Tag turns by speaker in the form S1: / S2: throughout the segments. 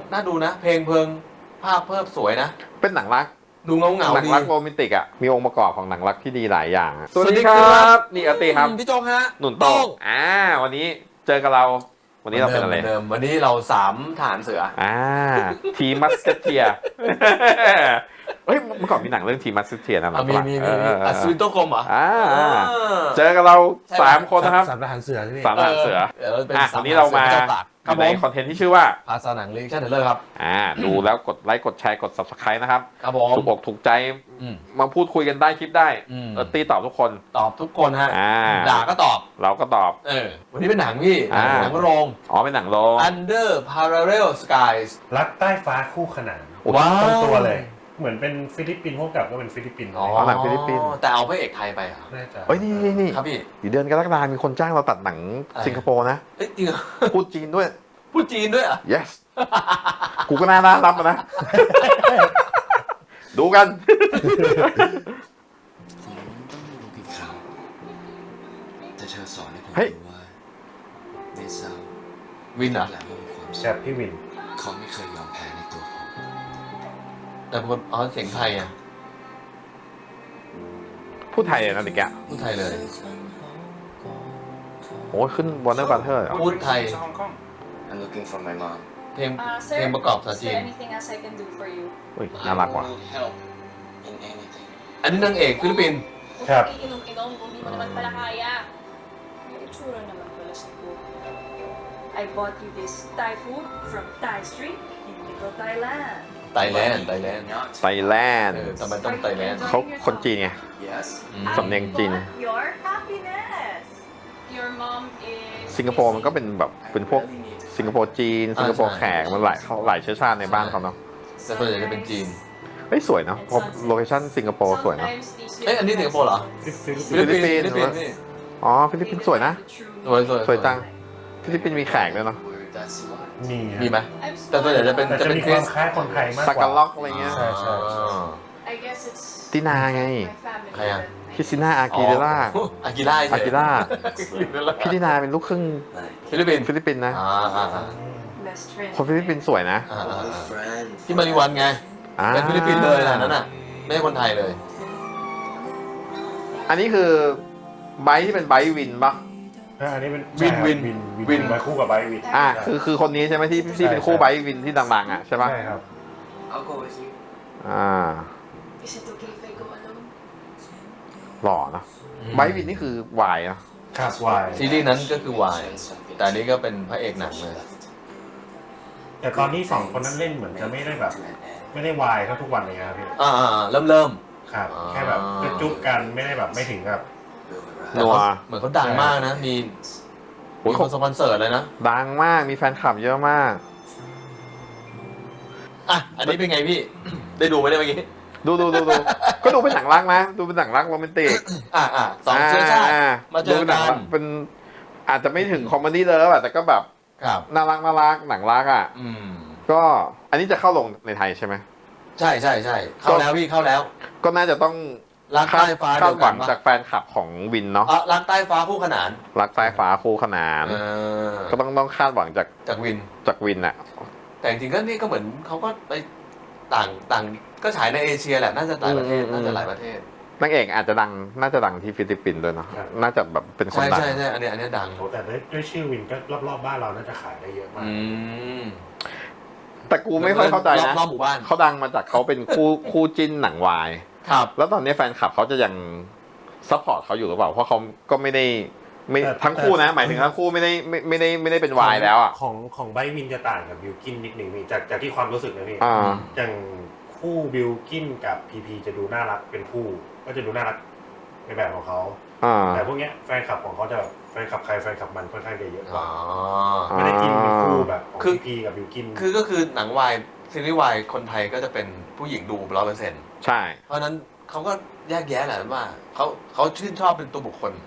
S1: น่าดูนะเพลงเพลิงภาพเพิ่มสวยนะ
S2: เป็นหนังรัก
S1: ดูเงา
S2: หนัง
S1: ดี
S2: รักโรแมนติกอ่ะมีองค์ประกอบของหนังรักที่ดีหลายอย่างอะ
S1: สวัสดีครับ
S2: นี่อาร์ตีครับ
S1: พี่โจ๊กฮะ
S2: หนุนโต้งวันนี้เจอกับเราวันนี้เราเป็นอะไร
S1: เดิมวันนี้เราสามทหารเสือ
S2: ทีมัสเทียเฮ้ยเมื่อก่อนมีหนังเรื่องทีมัสเทียนะหนังฝรั่ง
S1: มีอัศวินโตกรมเหรอ
S2: เจอกับเรา3 คนนะครับ
S3: สามทหารเสือใช่ไหม
S2: 3 ทหารเสือ
S1: เดี๋ยวเราเป็นสาม
S2: วันนี้เรามา
S1: เจ้าตากครับ
S2: ใน
S1: ผม
S2: คอนเทนต์ที่ชื่อว่า
S1: ภาษาหนังเรียกชั่นเทเลอร์ครับ
S2: ดูแล้วกดไลค์กดแชร์กด subscribe นะครับ
S1: ครับผม
S2: ถูกอกถูกใจ
S1: อืม
S2: มาพูดคุยกันได้คลิปได้ ตีตอบทุกคน
S1: ตอบทุกคนฮะด่าก็ตอบ
S2: เราก็ตอบ
S1: วันนี้เป็นหนังพี่หนังโรง
S2: เป็นหนังโรง
S1: Under Parallel Skies
S3: รักใต้ฟ้าคู่ขนาน
S1: ว้าว
S3: ตรงตัวเลย เหมือนเป็นฟิลิปปินส์พวกกับก็เป็นฟิลิปปินส์
S2: หนังฟิลิปปินส์
S1: แต่เอาพระเอกไทยไปเหรอ
S3: น่าจะ
S2: เฮ้ยนี่
S1: ครับพี่
S2: อยู่เดือนกรกฎาคมมีคนจ้างเราตัดหนังสิงคโปร์นะ
S1: เอ้ยจริงเหรอ
S2: พูดจีนด้วย
S1: พูดจีนด้วยเหรอ่ะ
S2: yes กูก็น่ารับนะ ดูกัน
S4: ผมต้องรู้กี่ครั้งแต่เธอสอนให้ผม
S2: เฮ้ย
S4: รู้ว่าในเศร้า
S1: วินเหรอ
S4: และไม่มีความ
S3: แบ
S4: สุข
S3: บพี่วิน
S4: เขาไม่เคยยอมแพ้ในตัวผม
S1: แต่คนเสียงไทยอ่ะ
S2: พูดไทยเลยนะดิแก
S1: พูดไทยเลย
S2: โอ้ยขึ้น Warner Brother เหรอ
S1: พูดไทย
S4: I'm looking for my mom
S1: เพลง
S5: Sir,
S1: เพลงประกอบภาษา
S5: is
S1: จี
S5: there
S1: น
S5: anything else I can do for you?
S2: อุ้ยน่ารักว่ะ
S4: I need help in anything
S1: อันนี้นางเอกฟิลิปปินส์
S3: ครับ
S5: Inom-inom kung di mo naman pala kaya. May itsura naman pala sa buhok. I bought you this Thai food from Thai Street in Little Thailand.
S1: ไต้แลนด์
S2: ไทยแลนด์
S1: ทำไมต้องไต้แลนด์
S2: เขาคนจีนไง
S4: yes
S2: สำเนียงจีน
S5: I bought your happiness. Your mom is
S2: สิงคโปร์มันก็เป็นแบบเป็นพวกสิงคโปร์จีน สิงคโปร์แขกมันหลายเชื้อชาติในบ้านเขาเนาะ
S1: แต่ส่วนใหญ่จะเป็นจีน
S2: เฮ้ยสวยเนาะพอโลเคชั่นสิงคโปร์สวยเนาะ
S5: Sometimes these
S1: เอ้ยอันนี้สิงคโปร์เหรอ
S3: ฟิลิปปินส์
S1: ฟิลิปปินส์นี่
S2: อ๋อฟิลิปปินส์สวยนะ สวยจัง ฟิลิปปินส์มีแขกด้วยเนาะ
S4: word that's what
S3: มี
S1: มีไหม แต่ส่วนใหญ่จะเป็น
S3: แต่จะมีความคล้ายคนไทยมากกว่า
S2: ตากาล็อกอะไรเงี้ย
S3: ใช่ใช่
S5: I guess it's
S2: ตินาไง
S5: my family.
S1: ใครอะ
S2: คริสติน่าอากิเดล่า
S1: อากิล่า
S2: อากิล่า พี่ตินาเป็นลูกครึ่ง
S1: ฟิลิปปินส์
S2: ฟิลิปปินส์นะ
S5: Best friend.
S2: คนฟิลิปปินส์สวยนะ
S4: friends
S1: ที่มาริวันไง เป็นฟิลิปปินส์เลยนะนั่นน่ะ ไม่ใช่คนไทยเลย
S2: อันนี้คือไบค์ที่เป็นไบค์วินปะ
S3: อันนี้เป็น
S1: วิน
S3: ใช่ครับ
S1: วิน
S3: วินไว้คู่กับไบร์ทวิน
S2: คือคนนี้ใช่ไหมที่เป็นคู่ไบค์วินที่ดังๆอ่ะใช่ปะ
S3: ใช่ครับ
S4: I'll go with you
S5: Is it okay if I go alone?
S2: หล่อเนอะไบค์วินนี่คือวายเนอะ
S3: ครับวาย
S1: ซีรีส์นั้นก็คือวาย แต่อันนี้ก็เป็นพระเอกหนังเลย
S3: แต่ตอนนี้สองคนนั้นเล่นเหมือนจะไม่ได้แบบ ไม่ได้วายเท่าทุกวันเลยครับพี่
S1: เริ่ม
S3: ครับ แค่แบบจุ๊บกันไม่ได้แบบไม่ถึงกับ
S1: แต่เขาเหมือนเขาดังมากนะ มีคนสปอนเซอร์เลยนะ
S2: ดังมากมีแฟนคลับเยอะมาก
S1: อันนี้เป็นไงพี่ ได้ดูไหมเนี่ยเมื่อกี้
S2: ดูก็ดูเป็นหนังรักนะดูเป็นหนังรักโรแมนติก
S1: สองเชื้อชาติมาเจอ
S2: ดูเป็นหนั
S1: กั
S2: ง
S1: น
S2: รักเป็นอาจจะไม่ถึงคอมเมดี้เลิฟอะแต่ก็แบบ
S1: ครับ
S2: น่ารักหนังรักอ่ะก็อันนี้จะเข้าลงในไทยใช่ไหม
S1: ใช่เข้าแล้วพี่เข้าแล้ว
S2: ก็น่าจะต้อง
S1: รักใต้ฟ้า
S2: คา
S1: เดี
S2: ด
S1: ยว
S2: ห
S1: กั
S2: วั
S1: น
S2: ง
S1: ปะ
S2: จากแฟนคลับของวินเนาะ
S1: รักใต้ฟ้าคู่ขนาน
S2: รักสายฟ้าคู่ขนาน ก็ต้องคาดหวังจาก
S1: จากวิน
S2: วินอะ
S1: แต่จริงๆก็นี่ก็เหมือนเขาก็ไปต่างก็ฉายในเอเชียแหละน่าจะหลายประเทศน่าจะหลายประเทศ
S2: นางเอกอาจจะน่าจะดังที่ฟิลิปปินส์ด้วยเนาะน่าจะแบบเป็นคนดัง
S1: ใช่อันนี้ดัง
S3: โอ้แต่ด้วยชื่อวินก็รอบๆบ้านเราน่าจะขายได้เยอะมาก
S2: แต่กูไม่ค่อยเข้าใจนะ
S1: รอบหมู่บ้าน
S2: เขาดังมาจากเขาเป็นคู่จิ้นหนังวาย
S1: ครับ
S2: แล้วตอนนี้แฟนคลับเขาจะยังซัพพอร์ตเขาอยู่หรือเปล่าเพราะเขาก็ไม่ทั้งคู่นะหมายถึงทั้งคู่ไม่ได้เป็นวายแล้วอ่ะ
S3: ของไบร์ทวินจะต่างกับบิลกินนิดนึงพี่จากที่ความรู้สึกนะพี่ อย่างคู่บิลกินกับพีพีจะดูน่ารักเป็นคู่ก็จะดูน่ารักในแบบของเขาแต่พวกเนี้ยแฟนคลับของเขาจะแฟนคลับใครแฟนคลับมันค่อนข้างจะเยอะกว่าไม่ได้กินเป็นคู่แบบของพีพีกับบิลกิน
S1: ก็คือหนังวายซีรีส์วายคนไทยก็จะเป็นผู้หญิงดู100%
S2: ใช่
S1: เพราะนั้นเขาก็แยกแยะแหละว่าเขาชื่นชอบเป็นตัวบุคคล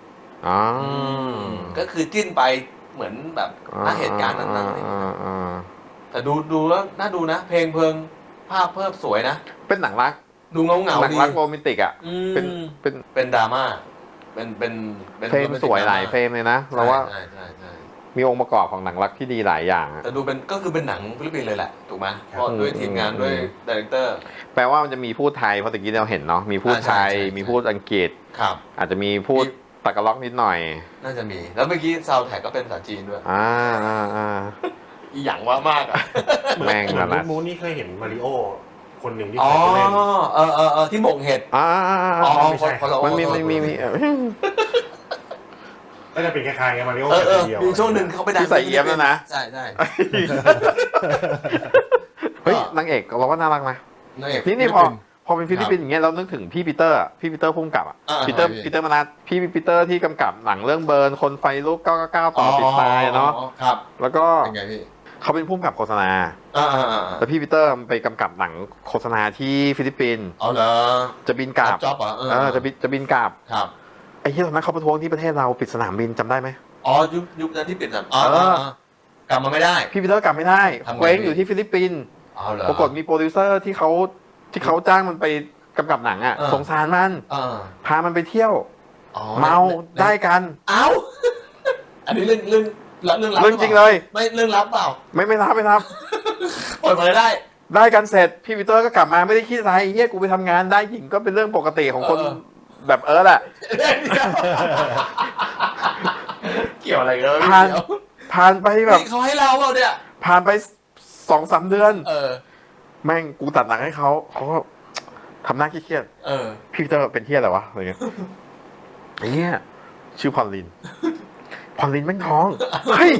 S1: ก็คือจิ้นไปเหมือนแบบณเหตุการณ์นั้นๆแต่ดูแล้วน่าดูนะเพลงเพลิงภาพเพิ่มสวยนะ
S2: เป็นหนังรัก
S1: ดูเงา
S2: หนัง
S1: ดี
S2: รักโรแมนติกอ่ะ
S1: เป็นดราม่าเป็น
S2: เฟรมสวยหลายเฟรมเลยนะเราว่า
S1: ใช่
S2: มีองค์ประกอบของหนังรักที่ดีหลายอย่างอะ
S1: แต่ดูเป็นก็คือเป็นหนังฟิลิปปินส์เลยแหละถูกไหมเพราะด้วยทีมงานด้วยดีเรคเตอร์
S2: แปลว่ามันจะมีพูดไทยเพราะตะกี้เราเห็นเนาะมีพูดไทย
S1: ใช่
S2: มีพูดอังกฤษ
S1: ครับ
S2: อาจจะมีพูดตะกะล็อกนิดหน่อย
S1: น่าจะมี แล้วเมื่อกี้ซาวด์แท็กก็เป็นภาษาจีนด้วย
S2: อ่า
S1: อีหยังว่ามากอ่ะ
S2: แม่ง
S3: เหมื
S2: นั่
S3: อน
S2: นแหละ
S3: มูนนี่เคยเห็นมาริโอคนหนึ่งที่
S1: อ๋
S3: เค
S1: อย
S3: ไปเล่น
S1: ที่หม่งเห็ด
S2: อ่า
S1: อ๋อ
S3: ไม่ใช่
S1: คนละ
S2: มันมี
S1: โอ้
S2: มี
S3: ก็จะเป็นคล้ายๆกับมาริโอ
S1: เดี
S3: เดียว
S1: มีช่วงหนึ่งเขาไปดัง
S2: ที่ใส่เอี้ยมแล้วนะ
S1: ใช่ใช่
S2: เฮ้ยนางเอกเราก็น่ารักนะ
S1: นางเอก
S2: นี่พอเป็นฟิลิปปินส์อย่างเงี้ยเรานึกถึงพี่ปีเตอร์พุ่มกับอ่ะ
S1: อ่า
S2: ปีเตอร์
S1: ใช่
S2: ปีเตอร์มนัสพี่ปีเตอร์ที่กำกับหนังเรื่องเบิร์นคนไฟลุก999ต่อติดตายเนาะ
S1: ครับ
S2: แล้วก็
S1: เป็นไงพี่
S2: เขาเป็นพุ่มกับโฆษณา
S1: อ่า
S2: แล้วพี่ปีเตอร์ไปกำกับหนังโฆษณาที่ฟิลิปปินส์
S1: เอาเหรอ
S2: จะบินกลับ
S1: จ็อบเหรอ
S2: จะบินกลับ
S1: ครับ
S2: ไอ้ที่ตอนนั้นเขาประท้วงที่ประเทศเราปิดสนามบินจำได้ไหม
S1: อ๋อยุคนั้นที่ปิดสนามอ๋อ
S2: เออ
S1: กลับมาไม่ได้
S2: พี่ปีเตอร์กลับไม่ได้
S1: ทำไง
S2: เคว้งอยู่ที่ฟิลิปปินส์
S1: เอาเหรอ
S2: ปรากฏมีโปรดิวเซอร์ที่เขาจ้างมันไปกำกับหนังอ่ะ
S1: เออ
S2: สงสารมัน
S1: อ่า
S2: พามันไปเที่ยว
S1: อ๋อ
S2: เมาได้กัน
S1: เอ้า อันนี้เรื่องลับ
S2: เรื่องจริงเลย
S1: ไม่เรื่องลับเปล่า
S2: ไม่รับ
S1: เปิดเผยได้
S2: ได้กันเสร็จพี่ปีเตอร์ก็กลับมาไม่ได้คิดอะไรเฮียกูไปทำงานได้หญิงก็เป็นเรื่องปกติของคน
S1: เออ
S2: แบบแหละ
S1: เกี่ยวอะไรกันวะ
S2: ผ่าน
S1: เดี๋ยว
S2: ผ่านไปแบบ
S1: นี่เขาให้เราเปล่าเนี่ย
S2: ผ่านไป2-3 เดือน
S1: เออ
S2: แม่งกูตัดหนังให้เขาก็ทำหน้าเครียด
S1: เออ
S2: ๆพี่ปีเตอร์เป็นเฮียอะไรวะอะไรเงี้ยไอ้เหี้ยชื่อพอลลินแม่งท้องเฮ้ย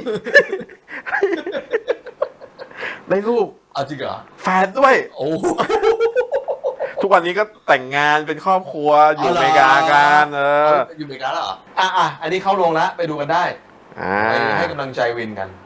S2: ได้ลูก
S1: เอาจริงเหรอ
S2: แฝดด้วย
S1: โอ้
S2: ทุกวันนี้ก็แต่งงานเป็นครอบครัวอยู่
S1: เอาเหรอ
S2: อเมริกากัน
S1: อยู่อเมริกาแล้วเหรอ อันนี้เข้าโรงแล้วไปดูกันได้
S2: อ่า
S1: ไปให้กำลังใจวินกัน